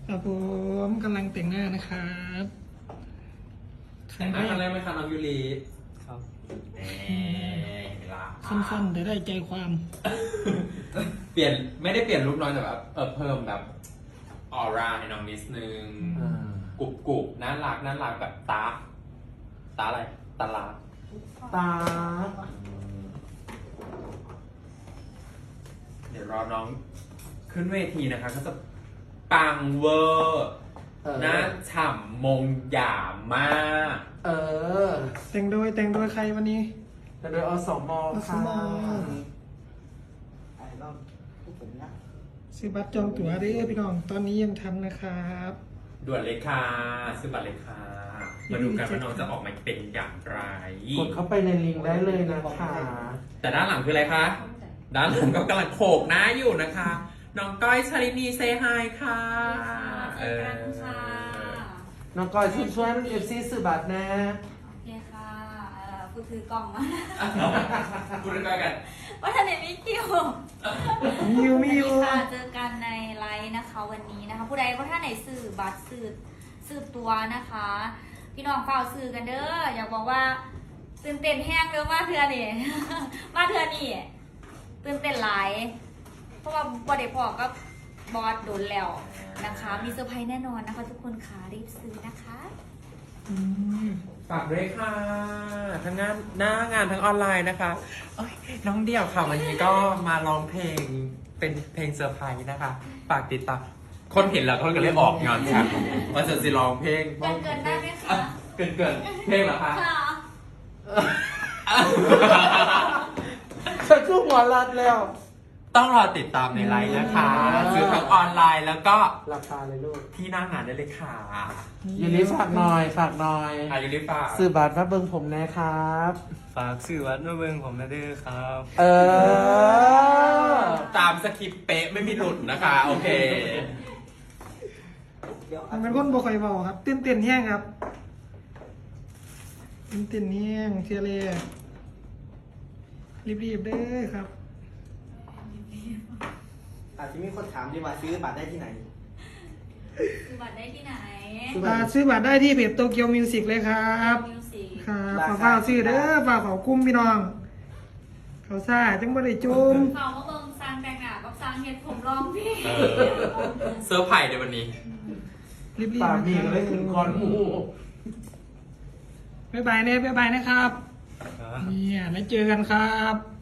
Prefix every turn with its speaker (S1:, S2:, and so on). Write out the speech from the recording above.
S1: ครับผมกำลังแต่งหน้านะครับ
S2: แต่งหน้าครั้งแรกไหมคะน้องยูริครับ
S1: สั้นๆแต่ได้ใจความ
S2: เปลี่ยนไม่ได้เปลี่ยนลุคน้อยแต่แบบเพิ่มแบบออร่าให้น้องนิดนึงกรุบน่ารักแบบตาอะไรตาลา
S3: ตา
S2: เดี๋ยวรอน้องขึ้นเวทีนะคะก็จะปังเวอร์น่าฉ่ำมงหยามาก
S1: แต่งโดยใครวันนี้
S3: แต่โดยอสมค่ะ
S1: ซื้อบัตรจองตั๋วได้พี่น้องตอนนี้ยังทันนะครับ
S2: ด่วนเลยค่ะซื้อบัตรเลยค่ะมาดูกันว่าน้องจะออกมาเป็นอย่างไร
S3: กดเข้าไปในลิงก์ได้เลยนะคะ
S2: แต่ด้านหลังคืออะไรคะ ด้านหลังก็กำลังโขกหน้าอยู่นะคะ น้องก้อยชลินีเซฮายค่ะ
S3: น้องก้อยช่วยเอฟซีสื่อบัตรนะ
S4: โอเคค่ะพูดถือกล่องมา
S2: พูดกันกัน
S4: ว่าทันเดมิคิว
S1: มีอยู่
S4: ค่ะเจอกันในไลฟ์นะคะวันนี้นะคะ ผู้ใดก็ท่านไหนสื่อบัตรสื่อตัวนะคะ พี่น้องเฝ้าสื่อกันเด้ออยากบอกว่าตื่นเต้นแห้งเด้อมาเทือนี่ มาเทือนี่ตื่นเต้นหลาย เพราะว่าบอดพอก็บอสโดนแล้วนะคะ มีเซอร์ไพรส์แน่นอนนะคะ ทุกคนค่ะรีบซื้อนะคะ
S2: ฝากด้วยค่ะ ทั้งหน้างานทั้งออนไลน์นะคะน้องเดี่ยวค่ะวันนี้ก็มาร้องเพลงเป็นเพลงเซอร์ไพรส์นะคะ ฝากติดตาม คนเห็นแล้วคนก็เลยออกงานค่ะว่าจะร้องเพลง
S4: เกินได้ไหมคะ
S2: เกินเพลงเหรอคะ
S4: ค่ะ
S3: ฉันก็หัวรัดแล้ว
S2: ต้องรอติดตามในไลน์นะคะซื้อทั้งออนไลน์แล้วก็
S3: ราคาเลยลูก
S2: ที่หน้างานได้เลยค่ะ
S3: ยูริฝากหน่อย
S2: อายุริฟ้า
S3: สื่อบัตรมาเบิ่งผมนะครับ
S5: ฝากสื่อวัดมาเบิ่งผมนะเด้อครับ
S2: ตามสคริปต์เป๊ะไม่มีหลุดนะคะ โอเค
S1: มันเป็นคนบ่ค่อยเบาครับตื่นเต้นแห้งครับตื่นเต้นแห้งเชียร์เลยรีบๆเด้อครับ
S6: อาจจะมีคนถามดีว่าซื้อบัตรได้ที่ไหน
S4: ซื้อบัตรได้ที่ไหน
S1: ซื้อบัตรได้ที่เพจโตเกียวมิวสิกเลยครับ
S4: มิวสิก
S1: ครับฝากซื้อเด้อฝากเขากุ้มพี่น้อง เขาซ่าจังบ่ได้จุ่ม
S4: เขามาเบิ่งซางแต่งหน้ากับซางเฮ็ดผมรองพี่
S2: เซอร์ไพรส์ในวันนี้
S1: รีบ
S3: ปา
S1: ๆ
S3: มี
S1: นะค
S3: ก็
S1: รับ
S3: เลยขึ้นคอนหมู
S1: บ๊ายบายนะครับ
S5: ครับ
S1: เนี่ยแล้วเจอกันครับ